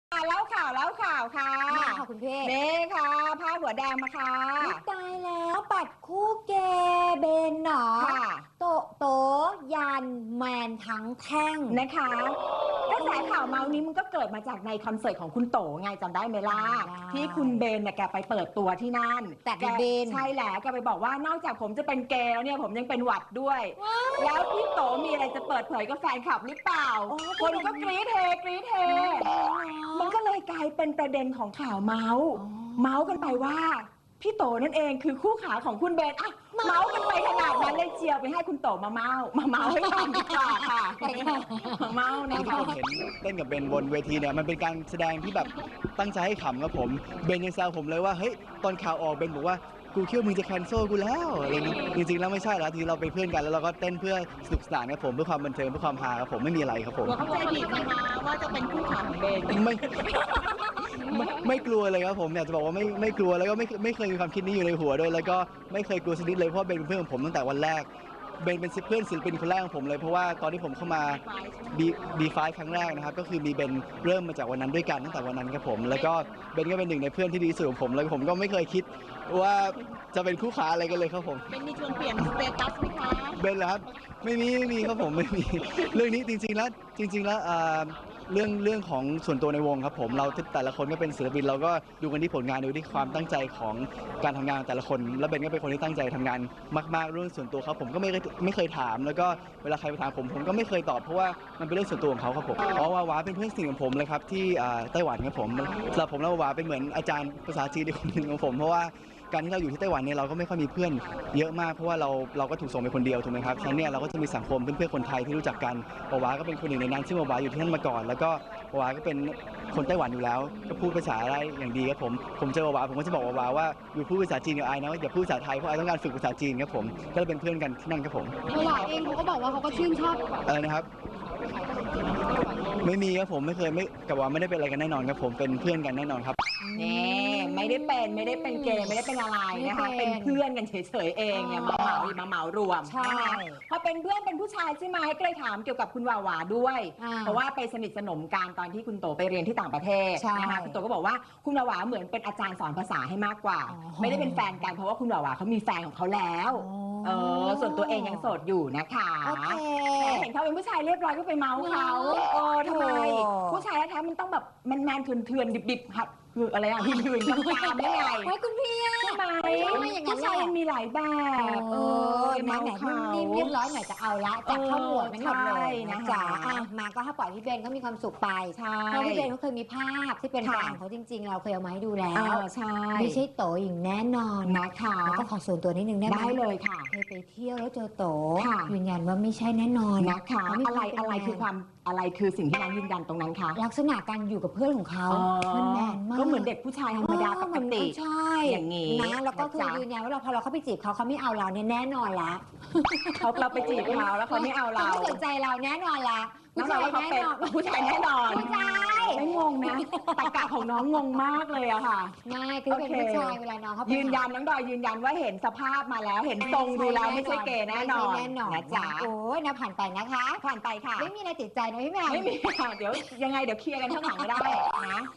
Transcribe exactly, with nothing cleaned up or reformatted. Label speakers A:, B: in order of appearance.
A: แล้วข่าวแล้วข่าวค่ะ
B: มาค่ะคุณพี่
A: เน่ค่ะผ้าหัวแดงมาค่ะ
B: ตายแล้วปัดคู่เกเบนหนอ
A: ค่ะ
B: โตโตยันแมนทั้งแท่ง
A: นะคะกระแสข่าวเมาส์นี้มันก็เกิดมาจากในคอนเสิร์ตของคุณโตไงจำได้ไหมล่ะที่คุณเบนเนี่ยแกไปเปิดตัวที่นั่น
B: แต่เบน
A: ใช่แล้วแกไปบอกว่านอกจากผมจะเป็นเกย์แล้วเนี่ยผมยังเป็นหวัดด้วยแล้วพี่โตมีอะไรจะเปิดเผยกับแฟนคลับหรือเปล่าคนก็กรี๊ดเฮกรี๊ดเฮมันก็เลยกลายเป็นประเด็นของข่าวเมาส์เมาส์กันไปว่าพี่โตนั่นเองคือคู่ขาของคุณเบนอ่ะเมาส์กันไปขนาดนั้นเลยเชียวไปให้คุณโตมาเมาส์มาเมาส์ให้ฟังดีกว่าค่ะมาเมาส์นะ
C: ที่
A: คะ
C: ผมเห็นเต้นกับเบนบนเวทีเนี่ยมันเป็นการแสดงที่แบบตั้งใจให้ขำครับผมเบนยังแซวผมเลยว่าเฮ้ยตอนข่าวออกเบนบอกว่ากูคิดว่ามึงจะแคนเซิลกูแล้วอะไรนี้จริงๆแล้วไม่ใช่แล้วทีเราเป็นเพื่อนกันแล้วเราก็เต้นเพื่อสนุกสนานครับผมเพื่อความบันเทิงเพื่อความฮาครับผมไม่มีอะไรครับผม
A: เข้าใจผิดนะคะว่าจะเป็นคู่ขาของเบน
C: ไม่ไม่ไม่กลัวเลยครับผมอยากจะบอกว่าไม่ไม่กลัวแล้วก็ไม่ไม่เคยมีความคิดนี้อยู่ในหัวด้วยแล้วก็ไม่เคยกลัวชนิดเลยเพราะเบนเป็นเพื่อนของผมตั้งแต่วันแรกเบนเป็นเพื่อนศิลปินคนแรกของผมเลยเพราะว่าตอนที่ผมเข้ามา B บี ไฟว์ ครั้งแรกนะครับก็คือมีเบนเริ่มมาจากวันนั้นด้วยกันตั้งแต่วันนั้นครับผมแล้วก็เบนก็เป็นหนึ่งในเพื่อนที่ดีสุดของผมแล้วผมก็ไม่เคยคิดว่าจะเป็นคู่ขาอะไรกันเลยครับผม
A: เบนมีชวนเปลี่ยนสเตตัสไหมคะ
C: เบนเหรอครับไม่มีไม่มีครับผมไม่มีเรื่องนี้จริงๆแล้วจริงๆแล้วเรื่องเรื่องของส่วนตัวในวงครับผมเราแต่ละคนก็เป็นศิลปินเราก็ดูกันที่ผลงานดูที่ความตั้งใจของการทำงานแต่ละคนแล้วเบนก็เป็นคนที่ตั้งใจทำงานมากๆเรื่องส่วนตัวเขาผมก็ไม่ไม่เคยถามแล้วก็เวลาใครไปถามผมผมก็ไม่เคยตอบเพราะว่ามันเป็นเรื่องส่วนตัวของเขาครับผมอ๋อวาวาเป็นเพื่อนสนิทของผมเลยครับที่ไต้หวันครับผมสำหรับผมแล้ววาวาเป็นเหมือนอาจารย์ภาษาจีนคนหนึ่งของผมเพราะว่าการที่เราอยู่ที่ไต้หวันเนี่ยเราก็ไม่ค่อยมีเพื่อนเยอะมากเพราะว่าเราเราก็ถูกส่งไปคนเดียวถูกไหมครับฉะนั้นเนี่ยเราก็จะมีสังคมเพื่อนๆคนไทยที่รู้จักกันวาวาก็เป็นคนหนึ่งในนั้นซึ่งวาวาอยู่ที่นั่นมาก่อนแล้วก็วาวาก็เป็นคนไต้หวันอยู่แล้วก็พูดภาษาได้อย่างดีครับผมผมเจอวาวาผมก็จะบอกวาวาว่าอยู่พูดภาษาจีนกับไอ้นะอย่าพูดภาษาไทยเพราะไอ้ต้องการฝึกภาษาจีนครับผมก็เลยเป็นเพื่อนกันที่นั่นครับผม
B: วาวาเองเขาก็บอกว่าเขาก็ชื่นชอบ
C: อะไรนะครับไม่มีครับผมไม่เคยไม่กับว่าไม่ได้เป็นอะไรกันแน่นอนครับผมเป็นเพื่อนกันแน่นอนครับ
A: นี่ไม่ได้เป็นไม่ได้เป็นเกย์ไม่ได้เป็นอะไรนะคะเป็นเพื่อนกันเฉยๆเองเนี่ยมาเหมามาเหมารวม
B: ใช่
A: พอเป็นเพื่อนเป็นผู้ชายใช่ไหมก็เลยถามเกี่ยวกับคุณวาวาด้วยเพราะว่าไปสนิทสนมกันตอนที่คุณโตไปเรียนที่ต่างประเทศนะคะคุณโตก็บอกว่าคุณวาวาเหมือนเป็นอาจารย์สอนภาษาให้มากกว่าไม่ได้เป็นแฟนกันเพราะว่าคุณวาวาเขามีแฟนของเขาแล้วเออส่วนตัวเองยังโสดอยู่นะคะเห็นเขาเป็นผู้ชายเรียบร้อยก็ไปเมาเขาเออทำไมผู้ชายแท้ๆมันต้องแบบแมนๆเถื่อนๆดิบๆครับคืออะไรอ่ะหื่นๆกลางๆไม่ไง
B: โอ้คุณพี่
A: ใช่ไหมผู้ชายมันมีหลายแบบ
B: เออแหมแหมนิ่มเรียบร้อยหน่อยจะเอาละจากข้อมูลนั้นหมดเลยนะจ๊ะมาก็ถ้าปล่อยพี่เบนก็มีความสุขไปเพราะพี่เบนเขาเคยมีภาพที่เป็นแฟนเขาจริงๆเราเคยเอามาให้ดูแล้วไม่ใช่โตอย่างแน่นอน
A: นะคะ
B: แล้วก็ขอส่วนตัวนิดนึงได้ไหม
A: ได้เลยค่ะ
B: เคยไปเที่ยวแล้วเจอโตยืนยันว่าไม่ใช่แน่นอน
A: นะคะอะไรอะไรคือความอะไรคือสิ่งที่น้องยืนยันตรงนั้นคะ
B: ลักษณะการอยู่กับเพื่อนของเขามันแมนมาก
A: ก็เหมือนเด็กผู้ชายธรรมดาปกติ
B: ใช่
A: อย่างนี้
B: นะแล้วก็คือยืนยันว่าเราพอเราเข้าไปจีบเขาเขาไม่เอาเราเนี่ยแน่นอนละ
A: เขาเราไปจีบเขาแล้วเขาไม่เอาเรา
B: ไม่สนใจเราแน่นอนละ
A: ผู้ชายแน่นอนผู้ชายแน่นอน
B: ผู้ชาย
A: ไม่งงนะตะกะของน้องงงมากเลยอะค่ะ
B: ไม่คือเป็นผู้ชายเวลาน้องเขา
A: ยืนยันน้องดอยยืนยันว่าเห็นสภาพมาแล้วเห็นทรงดูแล้วไม่ใช่เกย์แน่นอน
B: นะจ๊ะโอ้ยนะผ่านไปนะคะ
A: ผ่านไปค่ะ
B: ไม่มีอะไรติดใจนะพี่แม่
A: ไม่มีค่ะเดี๋ยวยังไงเดี๋ยวเคลียร์กันข้างหลังก็ได้นะ